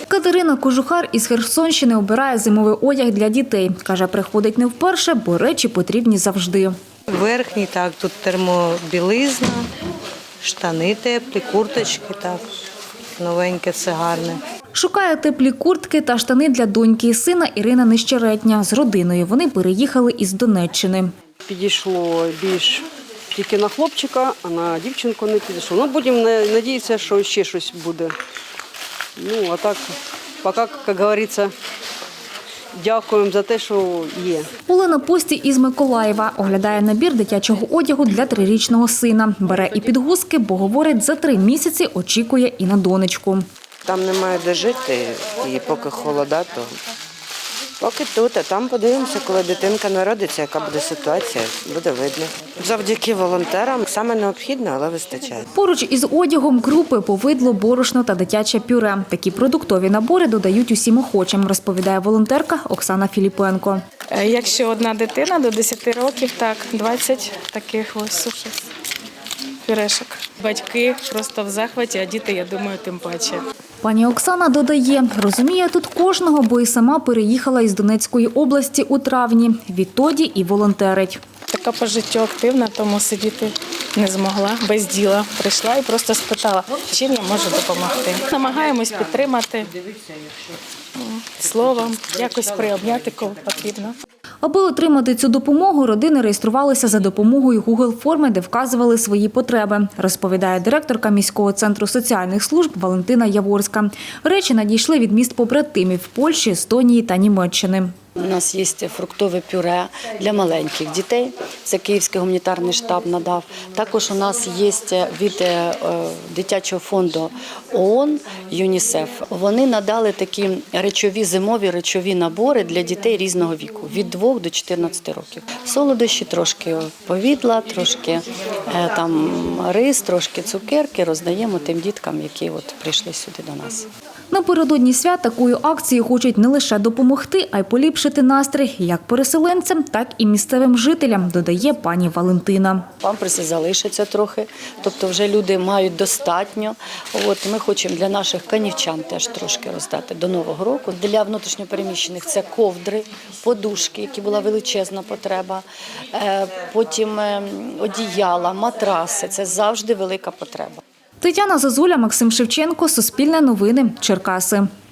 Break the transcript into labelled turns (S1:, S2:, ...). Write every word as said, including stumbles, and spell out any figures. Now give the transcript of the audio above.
S1: Катерина Кожухар із Херсонщини обирає зимовий одяг для дітей. Каже, приходить не вперше, бо речі потрібні завжди.
S2: Верхній, так, тут термобілизна, штани теплі, курточки, так, новеньке, все гарне.
S1: Шукає теплі куртки та штани для доньки і сина Ірина Нещеретня. З родиною вони переїхали із Донеччини.
S3: Підійшло більш тільки на хлопчика, а на дівчинку не підійшло. Ну, будемо сподіватися, що ще щось буде. Ну, а так, поки, як говориться, дякуємо за те, що є.
S1: Олена Пості із Миколаєва оглядає набір дитячого одягу для трирічного сина. Бере і підгузки, бо, говорить, за три місяці очікує і на донечку.
S4: Там немає де жити, і поки холода, то поки тут, а там подивимося, коли дитинка народиться, яка буде ситуація, буде видно. Завдяки волонтерам саме необхідно, але вистачає.
S1: Поруч із одягом крупи, повидло, борошно та дитяче пюре. Такі продуктові набори додають усім охочим, розповідає волонтерка Оксана Філіпенко.
S5: Якщо одна дитина до десяти років, так, двадцять таких ось сушок, пюрешок. Батьки просто в захваті, а діти, я думаю, тим паче.
S1: Пані Оксана додає, розуміє тут кожного, бо і сама переїхала із Донецької області у травні. Відтоді і волонтерить.
S5: Така по життю активна, тому сидіти не змогла, без діла. Прийшла і просто спитала, чим я можу допомогти. Намагаємось підтримати словом, якось приобняти, коли потрібно.
S1: Аби отримати цю допомогу, родини реєструвалися за допомогою Гугл-форми, де вказували свої потреби, розповідає директорка міського центру соціальних служб Валентина Яворська. Речі надійшли від міст побратимів – Польщі, Естонії та Німеччини.
S6: У нас є фруктове пюре для маленьких дітей, це Київський гуманітарний штаб надав. Також у нас є від дитячого фонду ООН, ЮНІСЕФ. Вони надали такі речові, зимові речові набори для дітей різного віку, від двох до чотирнадцяти років. Солодощі, трошки повідла, трошки там рис, трошки цукерки роздаємо тим діткам, які от прийшли сюди до нас.
S1: Напередодні свят такою акцією хочуть не лише допомогти, а й поліпшити настрій як переселенцям, так і місцевим жителям, додає пані Валентина.
S6: Памперси залишаться трохи, тобто вже люди мають достатньо. От ми хочемо для наших канівчан теж трошки роздати до Нового року. Для внутрішньопереміщених це ковдри, подушки, які була величезна потреба, потім одіяла, матраси – це завжди велика потреба.
S1: Тетяна Зозуля, Максим Шевченко, Суспільне новини, Черкаси.